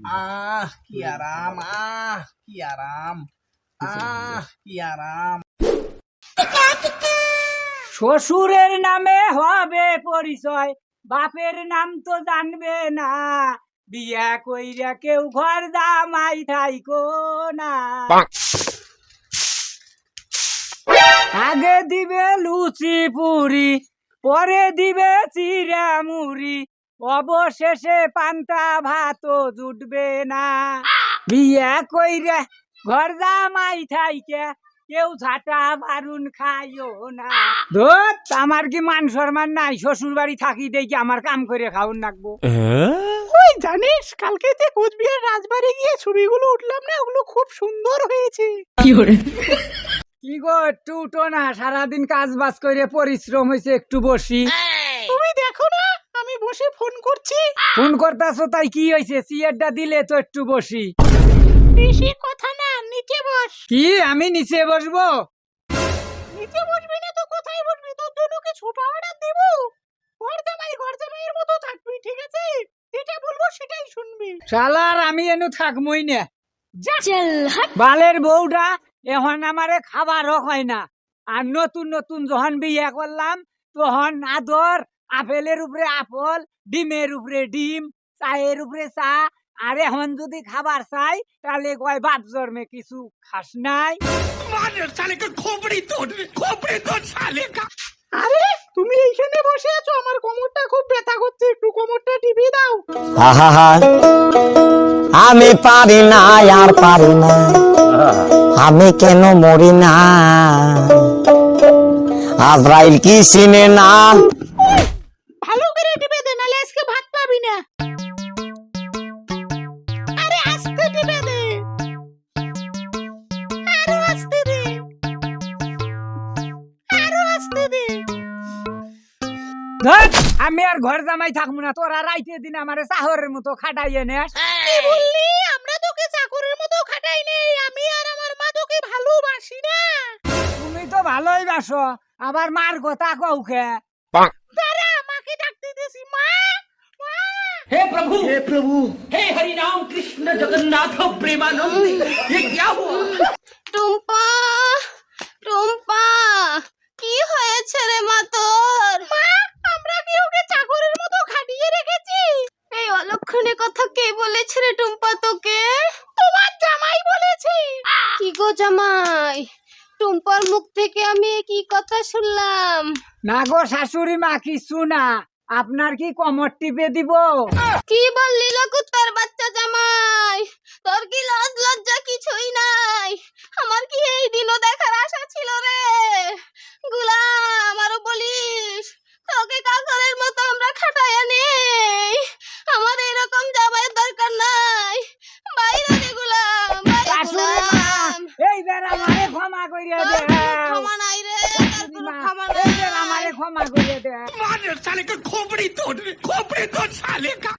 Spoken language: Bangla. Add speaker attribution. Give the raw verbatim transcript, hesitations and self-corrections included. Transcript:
Speaker 1: আহ কি আরাম, আহ কি আরাম, আহ কি আরাম।
Speaker 2: শ্বশুরের নামে হবে পরিচয়, বাপের নাম তো জানবে না। বিয়া কইরা কেউ ঘর জামাই থাইকো না। আগে দিবে লুচি পুরি, পরে দিবে চিরা মুড়ি, অবশেষে পান্তা ভাতও জুটবে না। বিয়া কইরা ঘর জামাই থাইকে কেউ ঝাঁটা বারুন খাইও না। ধুত, আমার কি মান সম্মান নাই? শ্বশুর বাড়ি থাকি দেখি আমার কাম করে খাওন লাগবো।
Speaker 3: ওই জানিস, কালকে যে কোচবিহার রাজবাড়ি গিয়ে ছবিগুলো উঠলাম না, ওগুলো খুব সুন্দর হয়েছে।
Speaker 2: কি গো, একটু উঠো না, সারাদিন কাজ বাজ করে পরিশ্রম হয়েছে, একটু বসি।
Speaker 3: তুমি দেখো না, আমি বসে ফোন করছি।
Speaker 2: ফোন করতেছো তাই কি হয়েছে? সিয়ারটা দিলে তো একটু বসি।
Speaker 3: বেশি কথা না, নিচে বস।
Speaker 2: কি আমি নিচে বসবো?
Speaker 3: নিচে বসবি না তো কোথায় বসবি? তোর জন্য কি ছোট অর্ডার দেব? ঘর জামাই ঘর জামাইয়ের মতো থাকবি, ঠিক আছে? যেটা বলবো সেটাই শুনবি।
Speaker 2: শালার আমি এনু থাকমই না। বালের বউটা এখন আমারে খাবারও হয় না। আর নতুন নতুন যখন বিয়ে করলাম তখন আদর, আপেলের উপরে আপেল, ডিমের উপরে ডিম, চায়ের উপরে চা। আর এখন যদি খাবার চাই তাহলে কয় বাপ জন্মে কিছু খাস নাই।
Speaker 3: আরে তুমি এইখানে বসে আছো, আমার কোমরটা খুব ব্যথা করছে, একটু কোমরটা টিপে দাও।
Speaker 4: আহা, আমি পারি না আর পারি না, আমি কেন মরি না, আজরাইল কি চিনে না।
Speaker 3: ভালো করে টিপে দে, নালে আজকে ভাত পাবি না। আরে আস্তে টিপে দে, আরো আস্তে দে, আরো আস্তে দে।
Speaker 2: ধুৎ, আমি আর ঘর জামাই থাকবো না। তোরা রাইতে দিন আমারে চাহরের মতো খাটাইয়ে নেস।
Speaker 3: কি বললি? আমরা তোকে চাকরের মতো খাটাই নেই, আমি আর আমার মা তোকে ভালোবাসি না।
Speaker 2: তুমি তো ভালোই বাসো, আবার মার কথা কৌকে।
Speaker 3: দাঁড়া, মাকে ডাকতে দিছি। মা, মা।
Speaker 5: हे प्रभु हे प्रभु हे हरि राम कृष्ण जगन्नाथ प्रेमानंद ये क्या हुआ?
Speaker 6: টুম্পা, টুম্পা, কি হয়েছে রে মা তোর?
Speaker 3: মা, আমরা কি ওকে চাকরের মতো খাটিয়ে রেখেছি?
Speaker 6: এই অলক্ষণে কথা কে বলেছে রে টুম্পা তোকে?
Speaker 3: তোমার জামাই বলেছে।
Speaker 6: কি গো জামাই, টুম্পার মুখ থেকে আমি এ কি কথা শুনলাম?
Speaker 2: না গো শাশুড়ি মা, কিছু না। আপনার কি কমর টিপে দিব?
Speaker 6: কি বললি লকুত্তার বাচ্চা জামাই? তোর কি লজ লজ্জা কিছুই নাই? আমার কি এই দিনও দেখার আশা ছিল রে? গুলাম, আরো বলিস তোকে কাকরের মতো আমরা খাটাইয়া নেই। আমার এরকম জামাইয়ের দরকার নাই। বাইরে রে গুলাম, বাইরে
Speaker 2: শাশুড়ি মা,
Speaker 6: গুলাম।
Speaker 2: এই বের আমারে ক্ষমা করিয়া দে।
Speaker 6: তোর কোনো ক্ষমা নাই রে, তোর কোনো ক্ষমা
Speaker 2: এই বের
Speaker 6: নাই।
Speaker 2: আমারে ক্ষমা করিয়া দে।
Speaker 5: मार साले का खोपड़ी तोड़ खोपड़ी तोड़ साले का